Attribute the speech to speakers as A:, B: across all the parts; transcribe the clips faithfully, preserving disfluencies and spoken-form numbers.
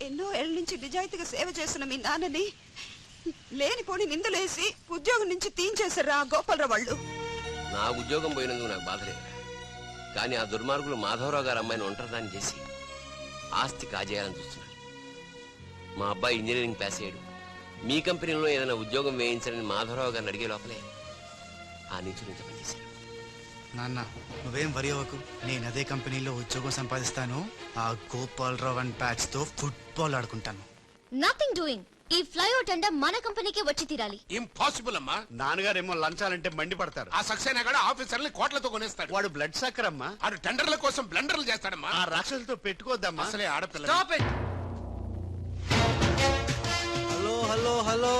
A: ఎన్నో ఏళ్ల నుంచి నిజాయితీగా సేవ చేస్తున్న మీ నాన్నని లేనిపోని నిందలేసి ఉద్యోగం నుంచి తీయించేశారా గోపాలరావు వాళ్ళు.
B: నా ఉద్యోగం పోయినందుకు నాకు బాధ లేదు, కానీ ఆ దుర్మార్గులు మాధవరావు గారు అమ్మాయిని ఒంటరిదాన్ని చేసి ఆస్తి కాజేయాలని చూస్తున్నారు. మా అబ్బాయి ఇంజనీరింగ్ పాస్ అయ్యాడు, మీ కంపెనీలో ఏదైనా ఉద్యోగం వేయించాలని మాధవరావు గారిని అడిగే లోపలే ఆ నుంచి నుంచి పనిచేశారు.
C: నాన్న నువ్వేం వరి అవ్వకు, నేను అదే కంపెనీలో ఉద్యోగం సంపాదిస్తాను. ఆ గోపాలరావు అండ్ బ్యాట్స్ తో ఫుట్బాల్ ఆడుకుంటాను.
D: Nothing doing. ఈ ఫ్లైఓవర్ టెండర్ మన కంపెనీకే వచ్చి తీరాలి.
E: ఇంపాసిబుల్ అమ్మా.
F: నాన్నగారేమో లంచాలంటే మండి పడతారు.
E: ఆ సక్సేనా కూడా ఆఫీసర్ని కోట్లతో కొనేస్తాడు.
F: వాడు బ్లడ్ సక్కర్ అమ్మా.
E: ఆడు టెండర్ల కోసం బ్లండర్లు చేస్తాడమ్మా.
F: ఆ రాక్షసులతో పెట్టుకోద్దమ్మా.
E: అసలే ఆడపిల్ల.
C: Hello hello hello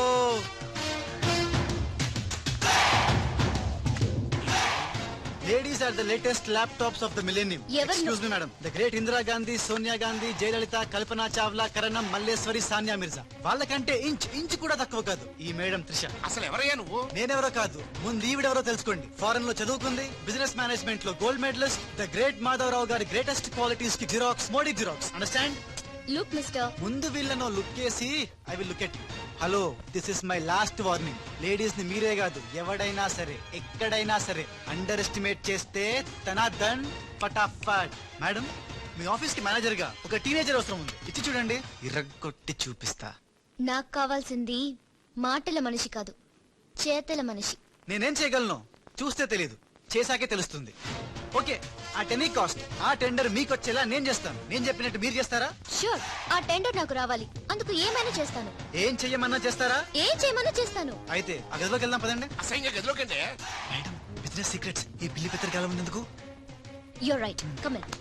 C: Ladies are the latest laptops of the millennium. Excuse me, madam. The great Indira Gandhi, Sonia Gandhi, Jayalalitha, Kalpana Chawla, Karanam, Malleswari, Sania Mirza. వాళ్ళకంటే ఇంచ్ ఇంచ్ కూడా తక్కువ కాదు ఈ మేడం త్రిష.
E: అసలు ఎవరయ్యా నువ్వు?
C: నేనెవరో కాదు, ముందు ఈవిడెవరో తెలుసుకోండి. ఫారెన్ లో చదువుకుంది, బిజినెస్ మేనేజ్మెంట్ లో gold medalist, the great Madhavarao గారి గ్రేటెస్ట్ క్వాలిటీస్ కి xerox Modi xerox. Understand?
D: Look mister,
C: ముందు వీళ్ళను లుక్ చేసి I will look at you. Hello, this is my last warning. Ladies ని మీరే కాదు, ఎవడైనా సరే ఎక్కడైనా సరే అండర్ ఎస్టిమేట్ చేస్తే తన దన్ ఫటాఫట్. మేడం, మీ ఆఫీస్ కి మేనేజర్ గా ఒక టీనేజర్ అవసరం ఉంది, ఇచ్చి చూడండి, ఇరగొట్టి చూపిస్తా.
D: నాకు కావాల్సింది మాటల మనిషి కాదు, చేతల మనిషి.
C: నేనేం చేయగలను చూస్తే తెలీదు, చేశాకే తెలుస్తుంది. ఓకే, ఆ టెనీ కాస్ట్ ఆ టెండర్ మీకు వచ్చేలా నేను చేస్తాను. నేను చెప్పినట్టు మీరు చేస్తారా?
D: షూర్, ఆ టెండర్ నాకు రావాలి, అందుకు ఏమైనా చేస్తాను.
C: ఏం చెయ్యమన్నా చేస్తారా?
D: ఏం చేయమన్నా చేస్తాను.
C: అయితే ఆ గదిలోకి వెళ్దాం పదండి.
E: అసహ్యంగా గదిలోకంటే
C: మేడం, బిజినెస్ సీక్రెట్స్ ఈ పిల్లి పెద్దరి కాలం ఉన్నందుకు.
D: You're right, come in.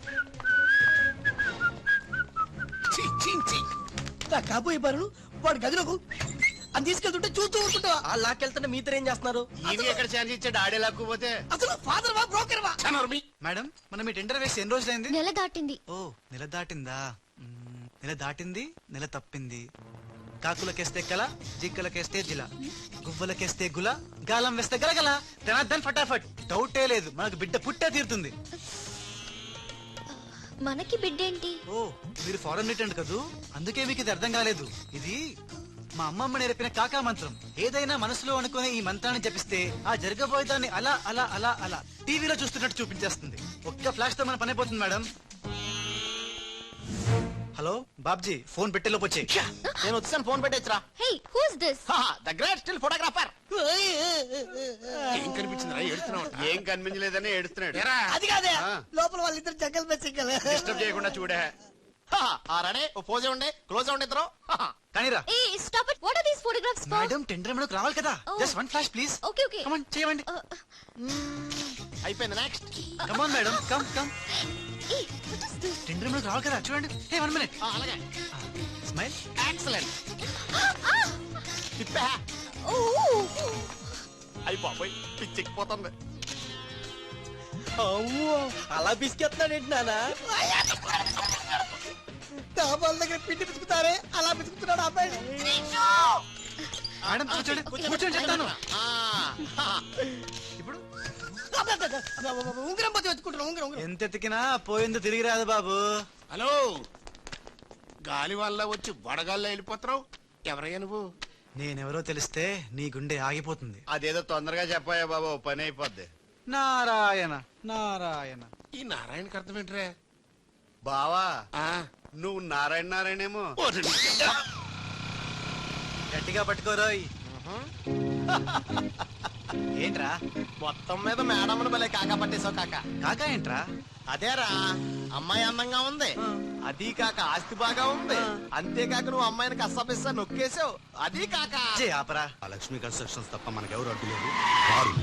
G: కాబోయే బరులు వాడు గదిలోకు అని తీసుకెళ్తుంటే చూస్తూ ఊరుకుంటా.
H: ఆ లాక్కెళ్తుంటే మీతో ఏం చేస్తున్నారు?
F: ఈయన ఎక్కడ ఛాన్స్ ఇచ్చాడు? ఆడే లాక్కుపోతే.
G: అసలు ఫాదర్ వా బ్రోకర్ వా?
C: మేడం, మనం ఈ టెండర్ వేసి ఎన్ని రోజులైంది?
D: నెల దాటింది.
C: ఓ, నెల దాటిందా? మ్మ్, నెల దాటింది, నెల తప్పింది. కాకులకేస్తే కల, జిక్కలకేస్తే జిల, గువ్వలకేస్తే గుల, గాలం వేస్తే గలగల. దన్ ఫటాఫట్. డౌటే లేదు, మనకు బిడ్డ పుట్టే తీరుతుంది.
D: మనకి బిడ్డేంటి?
C: ఓ, మీరు ఫారెన్ రిటర్న్ కదూ, అందుకే మీకు ఇది అర్థం కాలేదు. ఇది మా అమ్మమ్మ నేర్పిన కాకా మంత్రం. ఏదైనా మనసులో అనుకునే ఈ మంత్రాన్ని జపిస్తే ఆ జరగబోయేదాన్ని అలా అలా అలా అలా టీవీలో చూస్తున్నట్టు చూపించేస్తుంది. ఒక్క ఫ్లాష్ తో మన పని అయిపోతుంది మేడం. హలో బాబ్జీ, ఫోన్ పెట్టేలోపు వచ్చే.
H: నేను వచ్చాను, ఫోన్ పెట్టేచ్చరా.
D: Hey, who's this?
H: The great still photographer.
E: ఏం కనిపించిందిరా? ఏడుతున్నావు?
F: ఏం కనిపించలేదని ఏడుస్తున్నాడు.
G: అది కాదే, లోపల వాళ్ళిద్దరు జంగల్ మే సింగల్.
F: డిస్టర్బ్ చేయకుండా చూడే.
H: రడే ఓ పోజే ఉండే, క్లోజ్ ఉండే ఇద్దరు.
C: కానీరా.
D: Hey stop it. What are these photographs for?
C: Madam, tender మనకు రావాలి కదా. Just one flash please.
D: Okay okay,
C: come on, చేయండి.
H: అయిపోయింది, next.
C: Come on madam, come come.
D: Hey what is this?
C: Tender మనకు రావాలి కదా, చూడండి. Hey, one minute.
H: అలాగే,
C: స్మైల్.
H: ఎక్సలెంట్. తిప్పా.
D: ఓ,
H: అయిపోయి పిచ్చెక్కిపోతుంది.
G: అలా బిస్కెత్తాడు ఏంటి నాన్న? డాబాల దగ్గర పిండి పిసుకుతారే అలా పిసుకుతున్నాడు అబ్బాయి.
C: మేడం కూర్చోండి, కూర్చోండి చెప్తాను. ఇప్పుడు
G: ఉంగరం పోతే వెతుకుంటున్నా. ఉంగరం ఉంగరం
C: ఎంత ఎతికినా పోయిందో తిరిగి రాదు బాబు.
E: హలో, గాలి వల్ల వచ్చి వడగాల్లో వెళ్ళిపోతున్నావు. ఎవరయ్యా నువ్వు?
C: నేనెవరో తెలిస్తే నీ గుండె ఆగిపోతుంది.
F: అదేదో తొందరగా చెప్పాయా బాబు, పని అయిపోద్ది.
C: నారాయణ నారాయణ.
E: ఈ నారాయణకి అర్థం ఏంట్రా?
F: బావా,
E: ఆ,
F: నువ్వు నారాయణ నారాయణేమో.
C: గట్టిగా పట్టుకోరోయ్. ఏంట్రా
H: మొత్తం మీద మేడం భలే కాకా పట్టేశావు కాక.
C: కాకా ఏంట్రా?
H: అదేరా, అమ్మాయి అందంగా ఉంది, అది కాక ఆస్తి బాగా ఉంది, అంతేకాక నువ్వు అమ్మాయిని కష్టపిస్తా నొక్కేసావు, అది కాక.
C: జే ఆపరా.
F: ఆ లక్ష్మీ కన్స్ట్రక్షన్స్ తప్ప మనకెవరు అడ్డు లేదు. వారు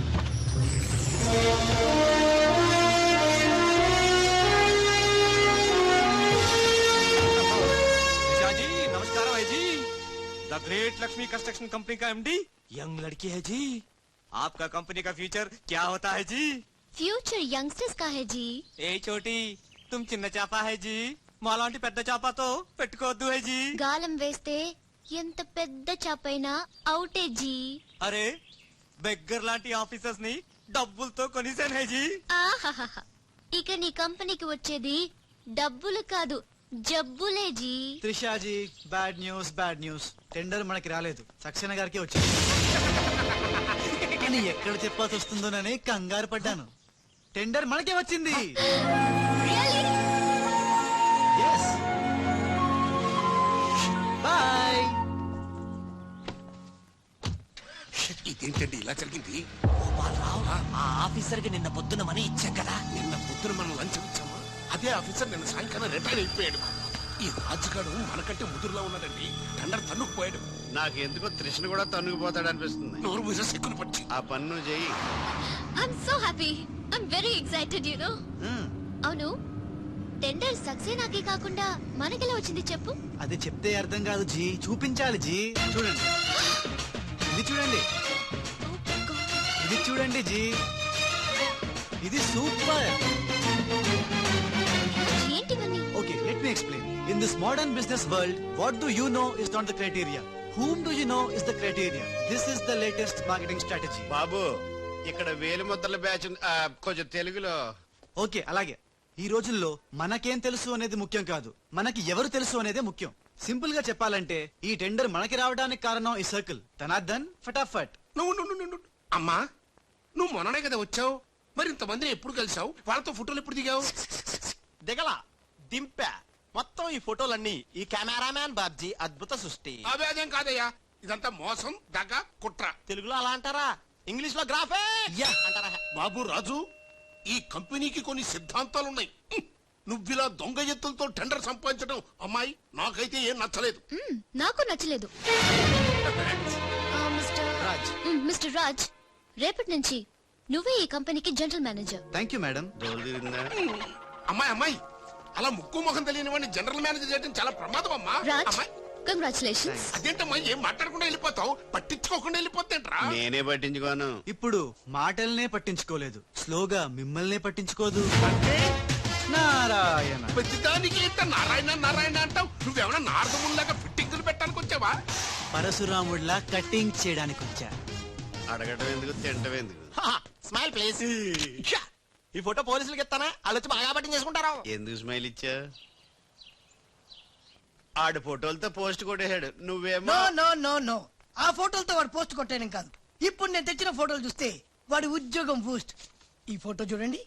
I: नमस्कार है जी। The great Lakshmi construction company का एमडी यंग लड़की है जी। आपका कंपनी का फ्यूचर क्या होता है जी?
D: ఫ్యూచర్ యంగ్స్టర్స్ కా హై జీ.
I: ఏ చోటి తుమ్ చిన్న చాపా హై జీ, మాలాంటి పెద్ద చాపాతో పెట్టుకోవద్దు హై జీ.
D: గాలం వేస్తే ఎంత పెద్ద చాపైనా అవుటే జీ.
I: అరే, బెగ్గర్ లాంటి ఆఫీసర్స్ ని డబ్బులతో కొనిసాను హై జీ.
D: ఆహాహా, ఇక నీ కంపెనీకి వచ్చేది డబ్బులు కాదు, జబ్బులే G.
C: త్రిషాజీ bad news bad news. Tender మనకి రాలేదు, సక్సేనా గారికి వచ్చింది. కానీ ఎక్కడ చెప్పాల్సి వస్తుందోనని కంగారు పడ్డాను. టెండర్ మనకే వచ్చింది. బాయ్.
E: ఇదేంటండి ఇలా జరిగింది?
G: ఆ ఆఫీసర్ కి నిన్న పొద్దున మనీ ఇచ్చాం కదా.
E: నిన్న పొద్దున మనం లంచం ఇచ్చామా? అదే ఆఫీసర్ నిన్న సాయంకాలం రిటైర్ అయిపోయాడు. ఈ రాజుగాడు మనకంటే ముదురులో ఉన్నాడండి. టండర్ తన్నుకుపోయాడు.
F: నాకు ఎందుకో తృష్ణ కూడా తన్నుకుపోతాడు అనిపిస్తుంది.
E: నోరు మీద సిక్కులు పచ్చి.
F: ఆ పన్ను చెయ్యి.
D: I'm so happy. I'm very excited you know. అవును, టెండర్ సక్సేనాకి కాకుండా మనకెలా వచ్చింది చెప్పు?
C: అది చెప్తే అర్థం కాదు జీ, చూపించాలి జీ. చూడండి, ఇది చూడండి, ఇది చూడండి జీ, ఇది సూపర్.
D: ఏంటివన్నీ?
C: Okay, let me explain. In this modern business world, what do you know is not the criteria. Whom do you know is the criteria. This is the latest marketing strategy.
F: బాబు, ఇక్కడ వేలు ముద్రల batch ఉంది. ఆ, కొంచెం తెలుగులో.
C: Okay, అలాగే. ఈ రోజుల్లో మనకేం తెలుసు అనేది ముఖ్యం కాదు, మనకి ఎవరు తెలుసు అనేదే ముఖ్యం. సింపుల్ గా చెప్పాలంటే ఈ టెండర్ మనకి రావడానికి కారణం ఈ సర్కిల్. తనార్దన్ ఫటాఫట్.
E: నువ్వు నువ్వు నువ్వు నువ్వు అమ్మా, నువ్వు మొన్ననే కదా వచ్చావు. మరి ఇంతమందిని ఎప్పుడు కలిసావు? వాళ్ళతో ఫోటోలు ఎప్పుడు దిగావు?
H: దిగల దింపా. మొత్తం ఈ ఫోటోలన్నీ ఈ కెమెరామ్యాన్ బాబ్జీ అద్భుత సృష్టి.
E: అవే అదేం కాదయ్యా, ఇదంతా మోసం, దగ్గ, కుట్ర.
H: తెలుగులో అలా అంటారా? ఇంగ్లీష్ లో గ్రాఫే అంటారా?
E: బాబు రాజు, ఈ కంపెనీకి కొన్ని సిద్ధాంతాలున్నాయి. హ్మ్. నువ్విలా దొంగ ఎత్తులతో టెండర్ సంపాదించడం అమ్మాయి నాకైతే ఏం నచ్చలేదు.
D: మ్మ్, నాకు నచ్చలేదు. ఆ, మిస్టర్
C: రాజ్.
D: మ్మ్, మిస్టర్ రాజ్, రేపటి నుంచి నువ్వే ఈ కంపెనీకి general manager.
C: Thank you madam.
F: రోజు తిరిగిందా?
E: అమ్మాయి అమ్మాయి అలా ముక్కు ముఖం తెలియని వాడిని జనరల్ మేనేజర్ చేయడం చాలా ప్రమాదం అమ్మా.
D: రాజ్,
E: అమ్మాయి
D: కంగ్రాచులేషన్స్.
E: అదేంటమ్మా, ఏం మాట్లాడకుండా వెళ్ళిపోతావు? పట్టించుకోకుండా వెళ్ళిపోతేంట్రా?
F: నేనే పట్టించుకోను.
C: ఇప్పుడు మాటల్నే పట్టించుకోలేదు, స్లోగా మిమ్మల్నే పట్టించుకోదు.
E: అంటే
C: నారాయణ.
E: ప్రతిదానికి ఇంత నారాయణ నారాయణ అంటావు. నువ్వేమన్నా నారదముల్లాగా ఫిట్టింగులు పెట్టడానికి వచ్చావా?
C: పరశురాముడిలా కటింగ్ చేయడానికి వచ్చా.
F: అడగటం ఎందుకు, తింటం ఎందుకు?
H: Smile please. ఈ ఫోటో పోలీసులకి ఇస్తానా? వాళ్ళు వచ్చి బాగా పట్టింగ్ చేసుకుంటారు.
F: ఎందుకు స్మైల్ ఇచ్చా? ఆడు ఫోటోలతో పోస్ట్ కొట్టేశాడు, నువ్వేమో.
G: నో నో నో నో ఆ ఫోటోలతో వాడు పోస్ట్ కొట్టేయడం కాదు. ఇప్పుడు నేను తెచ్చిన ఫోటోలు చూస్తే వాడి ఉద్యోగం బూస్ట్. ఈ ఫోటో చూడండి.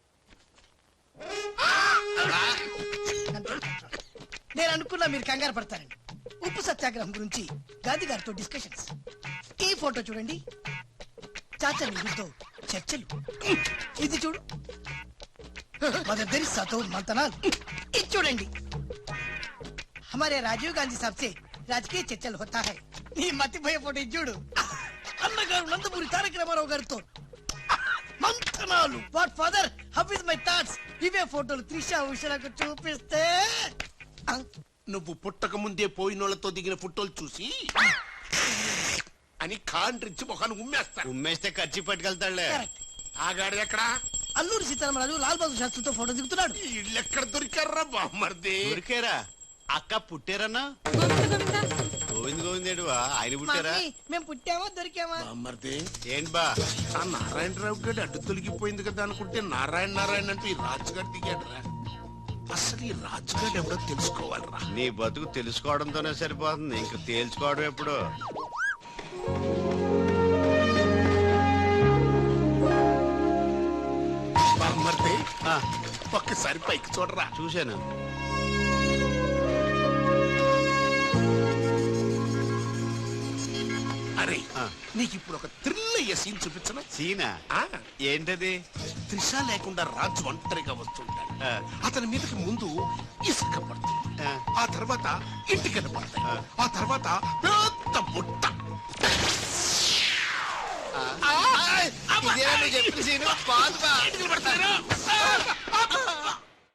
G: నేను అనుకున్నా మీరు కంగారు పడతారండి. ఉప్పు సత్యాగ్రహం గురించి గాంధీ గారితో డిస్కషన్స్. ఈ ఫోటో చూడండి, చాచా నెహ్రూతో చర్చలు. ఇది చూడు, మదర్ తెరిసాతో మంతనాలు. ఇది చూడండి, हमारे राजीव गांधी साहब से राजकीय चर्चल होता है. నీ మతిపోయే ఫోటో ఇది చూడు, అన్నగారు నందమూరి తారక రామారావు గారితో మంతనాలు. What father, how is my thoughts. ఇవే ఫోటోలు త్రిషా ఉషలకు చూపిస్తే
E: నువ్వు పుట్టక ముందే పోయినోళ్లతో దిగిన ఫోటోలు చూసి అని కాండ్రించి మొహాన్ని ఉమ్మేస్తాను.
F: ఉమ్మేస్తే ఖర్చు పట్టుకెళ్తాడులే.
G: కరెక్ట్.
E: ఆగాడు ఎక్కడ?
G: అల్లూరి సీతారామరాజు లాల్ బహదూర్ శాస్త్రితో ఫోటో దిగుతున్నాడు.
E: ఇళ్ళు ఎక్కడ దొరికారా బామ్మర్ది?
F: ఊరికేరా అక్క పుట్టారన్నా? గోవింద్ గోవిందేడువా ఆయన పుట్టారా?
G: మమ్మీ, మేము పుట్టామా దొరికామా?
E: బామ్మర్ది
F: ఏంటి బా?
E: ఆ నారాయణరావు గడి అడ్డు తొలగిపోయింది కదా అనుకుంటే నారాయణ నారాయణ అంటూ ఈ రాజుగారు దిగాడురా. అసలు ఈ రాజుగారు ఎవడో తెలుసుకోవాలరా.
F: నీ బతుకు తెలుసుకోవడంతోనే సరిపోతుంది, ఇంక తేల్చుకోవడం ఎప్పుడు?
E: బామ్మర్ది,
F: ఆ,
E: ఒక్కసారి పైకి చూడరా.
F: చూశాను.
E: అరే,
F: ఆ.
E: నీకు ఇప్పుడు ఒక థ్రిల్ అయ్యే సీన్ చూపించను.
F: సీనా?
E: ఆ,
F: ఏంటది?
E: త్రిష లేకుండా రాజు ఒంటరిగా వస్తుంటాడు.
F: ఆ.
E: అతని మీదకి ముందు ఇసుక పడుతుంది,
F: ఆ.
E: ఆ తర్వాత ఇంటికి పడతాయి,
F: ఆ.
E: ఆ తర్వాత పెద్ద బుట్ట.
F: ఇదేనా నువ్వు చెప్పిన సీను? బాగుంది బా.
E: ఇంటికి పడతారు.